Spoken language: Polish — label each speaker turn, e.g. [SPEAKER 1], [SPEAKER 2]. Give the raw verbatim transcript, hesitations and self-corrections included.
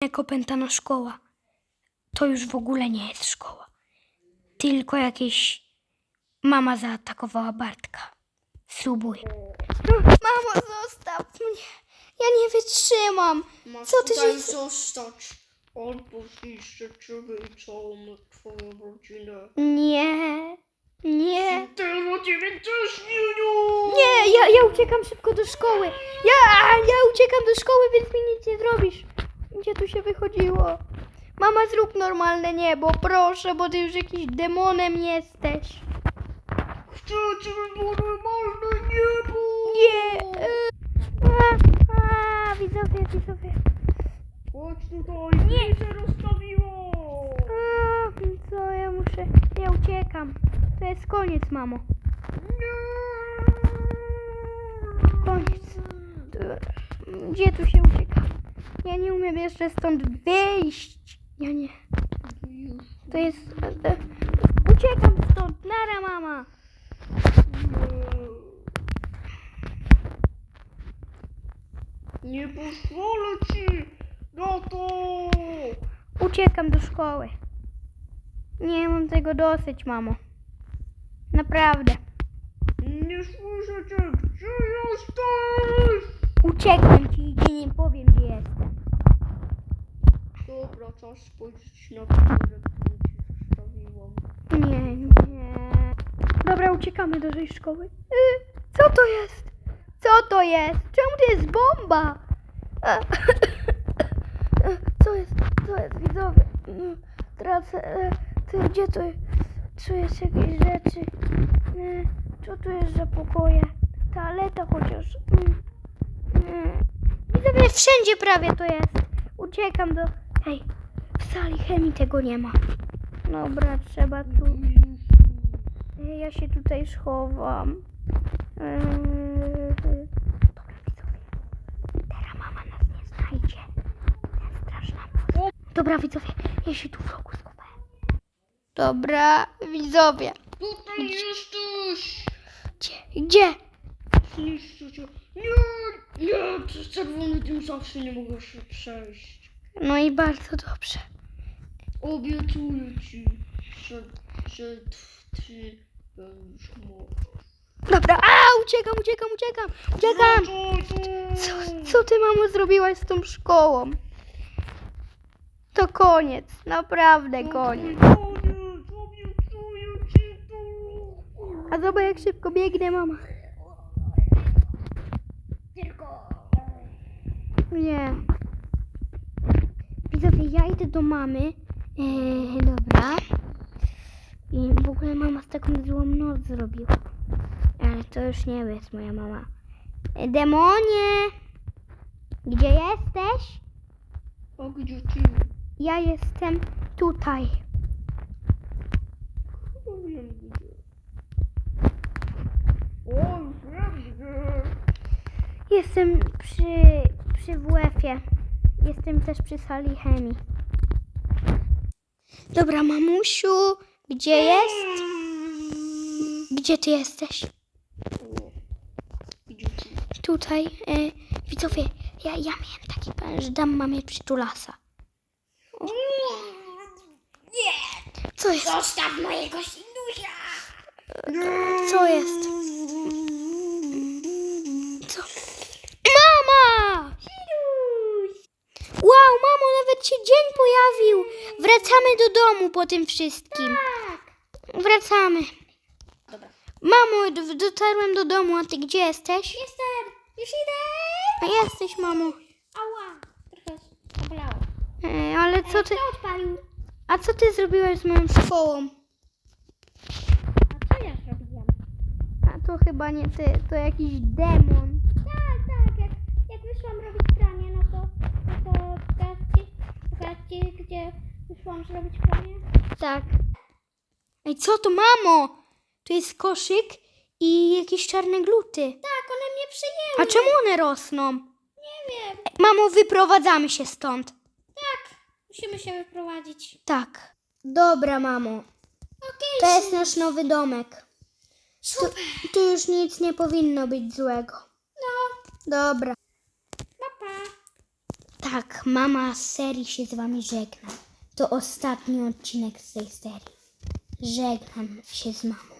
[SPEAKER 1] Jak opętana szkoła. To już w ogóle nie jest szkoła. Tylko jakieś... Mama zaatakowała Bartka. Spróbuj. Mamo, zostaw mnie. Ja nie wytrzymam.
[SPEAKER 2] Masz
[SPEAKER 1] Co ty
[SPEAKER 2] tutaj
[SPEAKER 1] się...
[SPEAKER 2] zostać. Albo zniszczę ciebie i całą twoją rodzinę.
[SPEAKER 1] Nie. Nie.
[SPEAKER 2] Ty o ciebie też, Niuniu!
[SPEAKER 1] Nie, ja, ja uciekam szybko do szkoły. Ja, ja uciekam do szkoły, więc mi nic nie zrobisz. Gdzie tu się wychodziło? Mama, zrób normalne niebo, proszę, bo ty już jakiś demonem jesteś.
[SPEAKER 2] Chcę, żeby było normalne niebo!
[SPEAKER 1] Nie. A, a, widzowie, widzowie.
[SPEAKER 2] Chodź tutaj, nie się rozstawiło!
[SPEAKER 1] A, co ja muszę... Ja uciekam. To jest koniec, mamo. Koniec. Gdzie tu się ucieka? Ja nie umiem jeszcze stąd wyjść. Ja nie. To jest... Uciekam stąd. Nara, mama.
[SPEAKER 2] Nie pozwolę ci na to!
[SPEAKER 1] Uciekam do szkoły. Nie mam tego dosyć, mamo. Naprawdę.
[SPEAKER 2] Nie słyszę cię, gdzie jesteś?
[SPEAKER 1] Uciekłem ci i nie powiem, gdzie jestem.
[SPEAKER 2] Dobra, czas spojrzeć na pudełek, który ci zostawiłam.
[SPEAKER 1] Nie, nie. Dobra, uciekamy do tej szkoły. Y, co to jest? Co to jest? Czemu to jest bomba? E, Co jest? Co jest, widzowie? Mm, Tracę. e, Ty, gdzie to jest? Czuję się jakieś rzeczy. E, Co tu jest za pokoje? Toaleta chociaż. Mm, mm. Widzowie, wszędzie prawie to jest. Uciekam do... Hej, w sali chemii tego nie ma. Dobra, trzeba tu... Ja się tutaj schowam. Eee, Dobra, widzowie. Teraz mama nas nie znajdzie. Ten straszna moc. Dobra, widzowie, ja się tu w rogu schowałem. Dobra, widzowie.
[SPEAKER 2] Tutaj jesteś!
[SPEAKER 1] Gdzie? Gdzie?
[SPEAKER 2] Zniszczę cię. Nie! Nie! Przez czerwony dym zawsze nie mogę się przejść.
[SPEAKER 1] No i bardzo dobrze.
[SPEAKER 2] Obiecuję ci, że, że t- ty będziesz mógł.
[SPEAKER 1] Dobra, a uciekam, uciekam, uciekam, uciekam. Co, co ty, mamo, zrobiłaś z tą szkołą? To koniec, naprawdę koniec.
[SPEAKER 2] Koniec! Obiecuję ci to!
[SPEAKER 1] A zobacz, jak szybko biegnie mama. Nie. Widzowie, ja idę do mamy. Eee, dobra. I w ogóle mama z taką złą noc zrobiła. Ale to już nie jest moja mama. E, demonie! Gdzie jesteś?
[SPEAKER 2] A gdzie ty?
[SPEAKER 1] Ja jestem tutaj.
[SPEAKER 2] Chyba wiem gdzie. O, już wiem gdzie.
[SPEAKER 1] Jestem przy, przy W F-ie. Jestem też przy sali chemii. Dobra, mamusiu, gdzie jest? Gdzie ty jesteś?
[SPEAKER 2] O, gdzie ty?
[SPEAKER 1] Tutaj. E, widzowie, ja, ja miałem taki plan, że dam mamie przytulasa.
[SPEAKER 2] Nie!
[SPEAKER 1] Co jest?
[SPEAKER 2] Zostaw mojego synusia!
[SPEAKER 1] Co jest? Co? Mama! Wow, mamo, nawet się dzień pojawił. Wracamy do domu po tym wszystkim. Tak. Wracamy.
[SPEAKER 2] Dobra.
[SPEAKER 1] Mamo, d- dotarłem do domu, a ty gdzie jesteś?
[SPEAKER 2] Jestem! Już idę!
[SPEAKER 1] A jesteś, mamo.
[SPEAKER 2] Ała! Trochę zabolało.
[SPEAKER 1] E, ale co ty...
[SPEAKER 2] Kto odpalił?
[SPEAKER 1] A co ty zrobiłaś z moją szkołą?
[SPEAKER 2] A co ja zrobiłam?
[SPEAKER 1] A to chyba nie ty, to jakiś demon.
[SPEAKER 2] Tak, tak, jak, jak wyszłam robić pranie, no to, no to pokażcie, pokażcie, gdzie wyszłam zrobić pranie.
[SPEAKER 1] Tak. Ej, co to, mamo? Tu jest koszyk i jakieś czarne gluty.
[SPEAKER 2] Tak, one mnie przyjęły.
[SPEAKER 1] A czemu one rosną?
[SPEAKER 2] Nie wiem.
[SPEAKER 1] Ej, mamo, wyprowadzamy się stąd.
[SPEAKER 2] Tak, musimy się wyprowadzić.
[SPEAKER 1] Tak. Dobra, mamo.
[SPEAKER 2] Okej,
[SPEAKER 1] To jest nasz nowy domek. Tu,
[SPEAKER 2] super.
[SPEAKER 1] tu już nic nie powinno być złego.
[SPEAKER 2] No,
[SPEAKER 1] Dobra.
[SPEAKER 2] pa, pa.
[SPEAKER 3] Tak, mama z serii się z wami żegna. To ostatni odcinek z tej serii. Żegnam się z mamą.